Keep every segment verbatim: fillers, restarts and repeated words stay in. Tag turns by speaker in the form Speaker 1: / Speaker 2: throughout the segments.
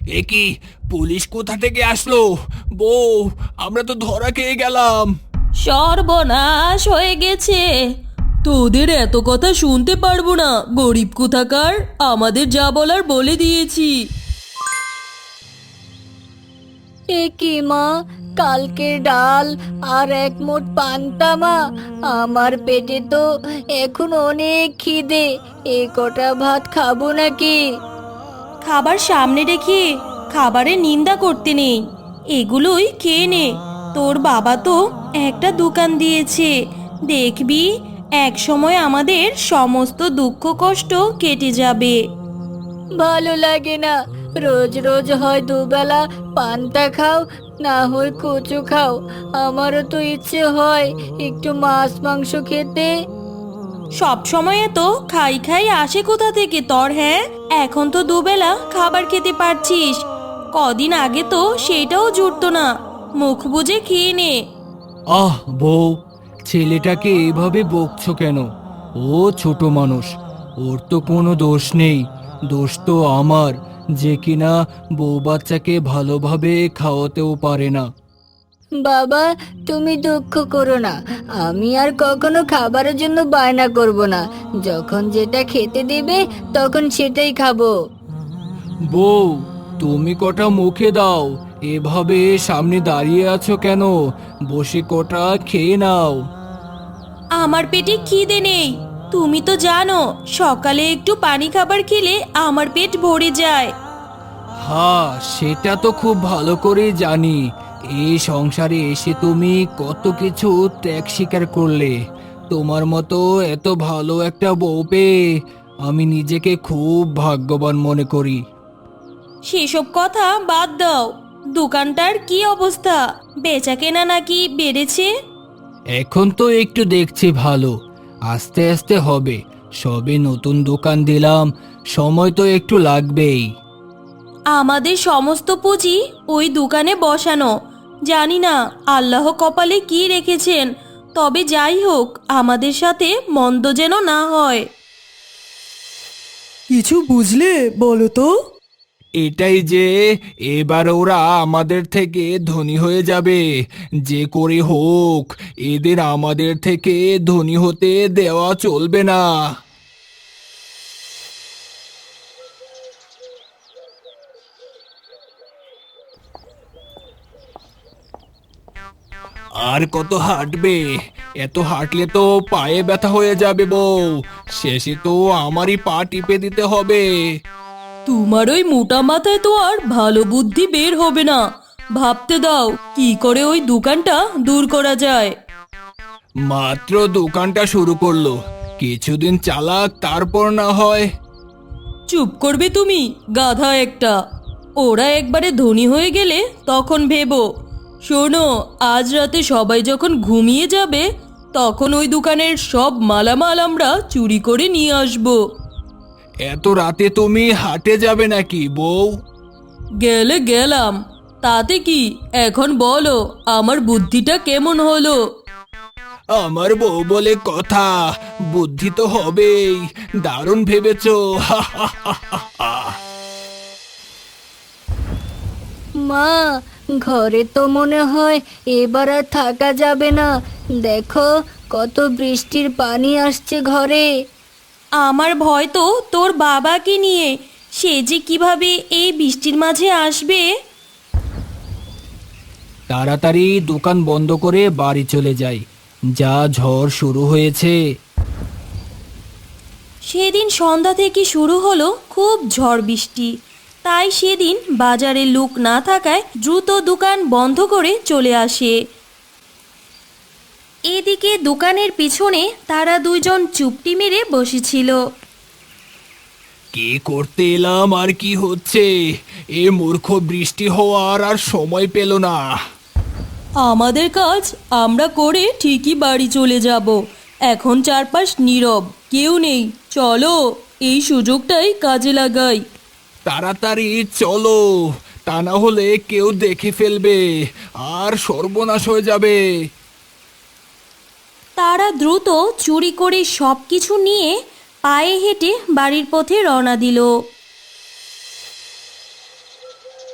Speaker 1: এ কি, পুলিশ কোথা থেকে আসলো? বউ, আমরা তো ধরা খেয়ে গেলাম।
Speaker 2: সর্বনাশ হয়ে গেছে। তোদের এত কথা শুনতে পারবো না, গরিব কোথাকার। আমাদের যা বলার বলে দিয়েছি।
Speaker 3: এ কি মা, কালকের ডাল আর এক মুঠ পান্তা মা, আমার পেটে তো এখন অনেক খিদে। এ কটা ভাত খাবো নাকি?
Speaker 2: খাবার সামনে রেখে খাবারের নিন্দা করতে নেই, এগুলোই খেয়ে নে। তোর বাবা তো একটা দোকান দিয়েছে, দেখবি এক সময় আমাদের সমস্ত দুঃখ কষ্ট কেটে যাবে।
Speaker 3: ভালো লাগে না, রোজ রোজ হয় দুবেলা পান্তা খাও, না হয় কচু খাও। আমারও তো ইচ্ছে হয় একটু মাছ মাংস খেতে।
Speaker 2: সব সময় তো খাই খাই আসে কোথা থেকে তোর? হ্যাঁ, এখন তো দুবেলা খাবার খেতে পারছিস, কদিন আগে তো সেটাও জুটতো না। মুখ বুজে খেয়ে নে।
Speaker 1: আহ বউ, ছেলেটাকে এভাবে বকছো কেন? ও ছোট মানুষ, ওর তো কোনো দোষ নেই। দোষ তো আমার, যে কিনা বউ বাচ্চাকে ভালোভাবে খাওয়াতেও পারে না।
Speaker 3: বাবা, তুমি দুঃখ করো না, আমি আর কখনো খাবারের জন্য বায়না করব না। যখন যেটা খেতে দিবে তখন সেটাই খাবো।
Speaker 1: বউ, তুমি কটা মুখে দাও, এভাবে সামনে দাঁড়িয়ে আছো কেন? বসে কটা খেয়ে নাও।
Speaker 2: আমার পেটে খিদে নেই, তুমি তো জানো সকালে একটু পানি খাবার খেলে আমার পেট ভরে যায়।
Speaker 1: হ্যাঁ, সেটা তো খুব ভালো করেই জানি। এই সংসারে এসে তুমি কত কিছু ত্যাগ স্বীকার করলে। তোমার মতো এত ভালো একটা বউ পেয়ে আমি নিজেকে খুব ভাগ্যবান মনে করি।
Speaker 2: সেসব কথা বাদ দাও। দোকানটার কি অবস্থা? বেচা কেনা নাকি বেড়েছে?
Speaker 1: এখন তো একটু দেখছি ভালো, আস্তে আস্তে হবে। সবে নতুন দোকান দিলাম, সময় তো একটু লাগবেই।
Speaker 2: আমাদের সমস্ত পুঁজি ওই দোকানে বসানো। জানি না আল্লাহ কপালে কি রেখেছেন, তবে যাই হোক আমাদের সাথে মন্দ যেন না হয়।
Speaker 4: কিছু বুঝলে বলো তো?
Speaker 1: এটাই যে এবার ওরা আমাদের থেকে ধনী হয়ে যাবে। যে করে হোক এদের আমাদের থেকে ধনী হতে দেওয়া চলবে না। আর কত হাঁটবে? এত হাঁটলে তো পায়ে ব্যথা হয়ে যাবে বউ। শেষে তো আমারই পা টিপে দিতে হবে।
Speaker 2: তোমার ওই মোটা মাথায় তো আর ভালো বুদ্ধি বের হবে না। ভাবতে দাও কি করে ওই দোকানটা দূর করা যায়।
Speaker 1: মাত্র দোকানটা শুরু করলো, কিছুদিন চালাক, তারপর না হয়।
Speaker 2: চুপ করবে তুমি, গাধা একটা। ওরা একবারে ধনী হয়ে গেলে তখন ভেবো। শোনো, আজ রাতে সবাই যখন ঘুমিয়ে যাবে তখন ওই দোকানের সব মালামাল আমরা চুরি করে নিয়ে আসবো।
Speaker 1: এত রাতে তুমি হাটে যাবে নাকি বউ?
Speaker 2: গেলে গেলাম, তাতে কি? এখন বলো আমার বুদ্ধিটা কেমন হলো?
Speaker 1: আমার বউ বলে কথা, বুদ্ধি তো হবেই। দারুণ ভেবেছো।
Speaker 3: মা, ঘরে তো মনে হয় এবার আর থাকা যাবে না। দেখো কত বৃষ্টির পানি আসছে ঘরে।
Speaker 2: আমার ভয় তো তোর বাবাকে নিয়ে, সে যে কিভাবে এই বৃষ্টির মাঝে আসবে।
Speaker 1: তাড়াতাড়ি দোকান বন্ধ করে বাড়ি চলে যাই, যা ঝড় শুরু হয়েছে।
Speaker 2: সেদিন সন্ধ্যা থেকে শুরু হলো খুব ঝড় বৃষ্টি, তাই সেদিন বাজারে লোক না থাকায় দ্রুত দোকান বন্ধ করে চলে আসে। এদিকে দোকানের পিছনে তারা দুইজন চুপটি মেরে বসেছিল।
Speaker 1: কি করতে এলাম আর কি হচ্ছে? এ মূর্খ বৃষ্টি হওয়ার আর সময় পেল না।
Speaker 2: আমাদের কাজ আমরা করে ঠিকই বাড়ি চলে যাব। এখন চারপাশ নীরব, কেউ নেই। চলো এই সুযোগটাই কাজে লাগাই।
Speaker 1: তাড়াতাড়ি চলো, তা না হলে কেউ দেখে ফেলবে আর সর্বনাশ হয়ে যাবে।
Speaker 2: তারা দ্রুত চুরি করে সব কিছু নিয়ে পায়ে হেঁটে বাড়ির পথে রওনা দিল।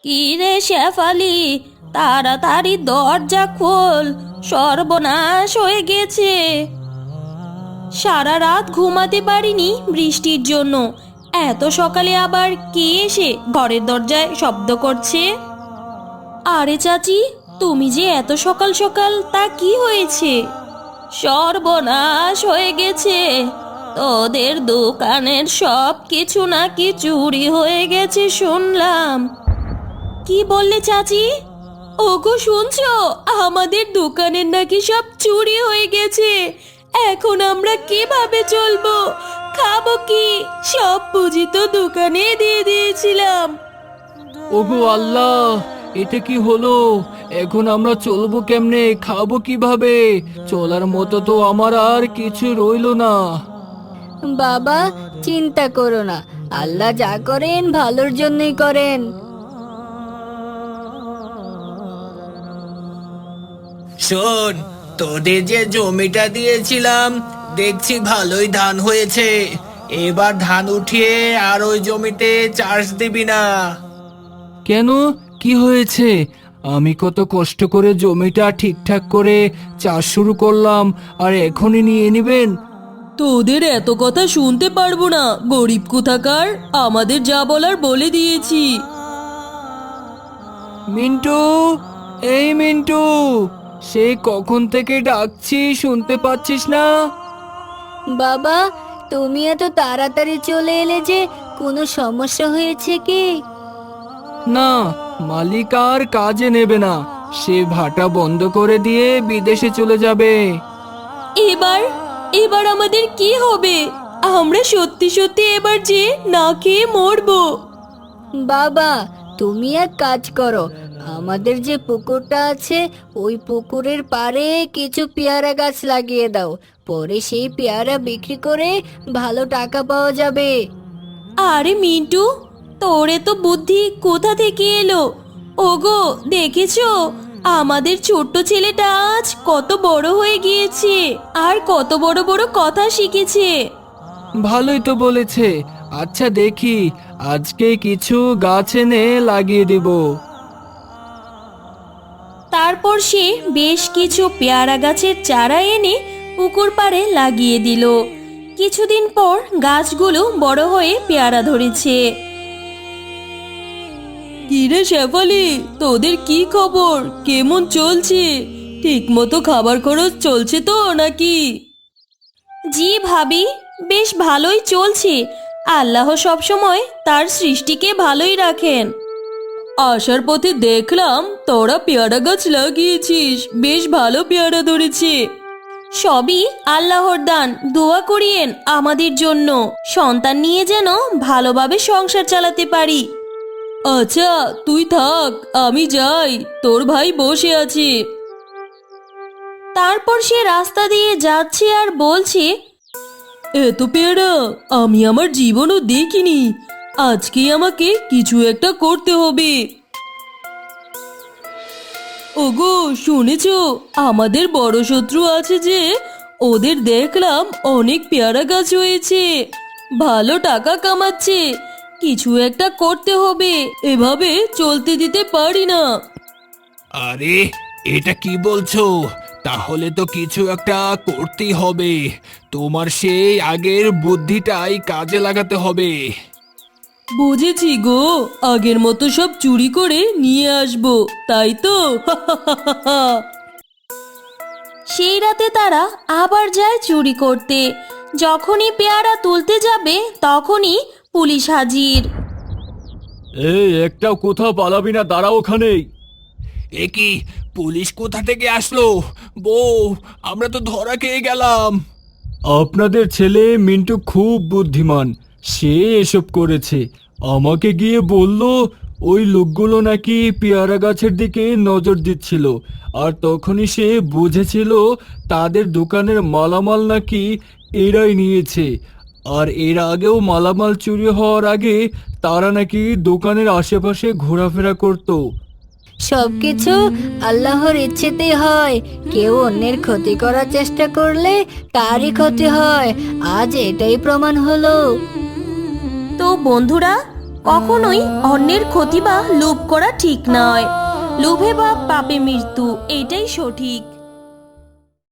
Speaker 2: কি রে শেফালি, তাড়াতাড়ি দরজা খোল, সর্বনাশ হয়ে গেছে। সারা রাত ঘুমাতে পারিনি বৃষ্টির জন্য। এত সকালে আবার কে এসে ঘরের দরজায় শব্দ করছে? আরে চাচি, তুমি যে এত সকাল সকাল, তা কি হয়েছে? সর্বনাশ হয়ে গেছে, তোদের দোকানের সব কিছু নাকি চুরি হয়ে গেছে শুনলাম। কি বললে চাচি? ওগো শুনছো, আমাদের দোকানের নাকি সব চুরি হয়ে গেছে। এখন আমরা কিভাবে চলবো, খাবো কি? সব পুঁজি তো দোকানে দিয়ে দিয়েছিলাম।
Speaker 1: ওগো আল্লাহ, এটা কি হলো? এখন আমরা চলবো কেমনে, খাবো কিভাবে? চলার মতো তো আমার আর কিছু রইলো না।
Speaker 3: বাবা, চিন্তা করো না, আল্লাহ যা করেন ভালোর জন্যই করেন।
Speaker 1: শোন, তোদের যে জমিটা দিয়েছিলাম, দেখছি ভালোই ধান হয়েছে। এবার ধান উঠিয়ে আর ওই জমিতে চাষ দিবি না। কেন, কি হয়েছে? আমি কত কষ্ট করে জমিটা ঠিকঠাক করে চাষ শুরু করলাম, আর এখনই নিয়ে নিবেন?
Speaker 2: তোদের এত কথা শুনতে পারবো না, গরিব কোথাকার। আমাদের যা বলার বলে দিয়েছি।
Speaker 1: মিন্টু, এই মিন্টু, সেই কখন থেকে ডাকছি, শুনতে পাচ্ছিস না?
Speaker 3: বাবা, তুমি এত তাড়াতাড়ি চলে এলে যে, কোনো সমস্যা হয়েছে কি?
Speaker 1: না, মালিক আর কাজে নেবে না। সে ভাটা বন্ধ করে দিয়ে বিদেশে চলে যাবে।
Speaker 2: এবার এবার আমাদের কি হবে? আমরা সত্যি সত্যি এবার যে না খেয়ে মরবো।
Speaker 3: বাবা, তুমি এক কাজ করো, আমাদের যে পুকুরটা আছে ওই পুকুরের পাড়ে কিছু পেয়ারা গাছ লাগিয়ে দাও। পরে সেই পেয়ারা বিক্রি করে ভালো টাকা পাওয়া যাবে।
Speaker 2: আরে মিন্টু, তোরে তো বুদ্ধি কোথা থেকে এলো? ওগো দেখেছো, আমাদের ছোট্ট ছেলেটা আজ কত বড় হয়ে গিয়েছে, আর কত বড় বড় কথা শিখেছে।
Speaker 1: ভালোই তো বলেছে। আচ্ছা দেখি, আজকে কিছু গাছ এনে লাগিয়ে দেব।
Speaker 2: তারপর সে বেশ কিছু পেয়ারা গাছের চারা এনে পুকুর পাড়ে লাগিয়ে দিল। কিছুদিন পর গাছগুলো বড় হয়ে পেয়ারা ধরেছে। কিরে শেফালি, তোদের কি খবর? কেমন চলছে? ঠিক মতো খাবার খরচ চলছে তো নাকি? জি ভাবি, বেশ ভালোই চলছে। আল্লাহ সবসময় তার সৃষ্টিকে ভালোই রাখেন। আসার পথে দেখলাম তোরা পেয়ারা গাছ লাগিয়েছিস, বেশ ভালো পেয়ারা ধরেছে। সবই আল্লাহর দান, দোয়া করিয়েন আমাদের জন্য, সন্তান নিয়ে যেন ভালোভাবে সংসার চালাতে পারি। আচ্ছা তুই থাক, আমি যাই, তোর ভাই বসে আছে। তারপর সে রাস্তা দিয়ে যাচ্ছে আর বলছে, এত পেয়ারা আমি আমার জীবনও দেখিনি। আজকে আমাকে কিছু একটা করতে হবে। ওগো শুনেছো, আমাদের বড় শত্রু আছে যে, ওদের দেখলাম অনেক পেয়ারা গাছ হয়েছে, ভালো টাকা কামাচ্ছে। কিছু একটা করতে হবে, এভাবে চলতে দিতে পারি না।
Speaker 1: আরে, এটা কি বলছো? তাহলে তো কিছু একটা করতেই হবে। তোমার সেই আগের বুদ্ধিটাই কাজে লাগাতে হবে।
Speaker 2: বুঝেছি গো, আগের মতো সব চুরি করে নিয়ে আসবো, তাই তো? সেই রাতে তারা আবার যায় চুরি করতে। যখনই পেয়ারা তুলতে যাবে তখনই পুলিশ হাজির।
Speaker 1: এই, একটাও কোথাও পালাবি না, দাঁড়া ওখানেই। এ কি, পুলিশ কোথা থেকে আসলো? বউ, আমরা তো ধরা খেয়ে গেলাম। আপনাদের ছেলে মিন্টু খুব বুদ্ধিমান, সে এসব করেছে। আমাকে গিয়ে বলল ওই লোকগুলো নাকি পেয়ারা গাছের দিকে নজর দিচ্ছিল, আর তখনই সে বুঝেছিল তাদের দোকানের মালামাল নাকি এরাই নিয়েছে। আর এর আগেও মালামাল চুরি হওয়ার আগে তারা নাকি দোকানের আশেপাশে ঘোরাফেরা করতো।
Speaker 3: সবকিছু আল্লাহর ইচ্ছেতেই হয়। কেউ অন্যের ক্ষতি করার চেষ্টা করলে তারই ক্ষতি হয়। আজ এটাই প্রমাণ হলো।
Speaker 2: তো বন্ধুরা, কখনোই অন্যের ক্ষতি বা লোভ করা ঠিক নয়। লোভে বা পাপে মৃত্যু, এটাই সঠিক।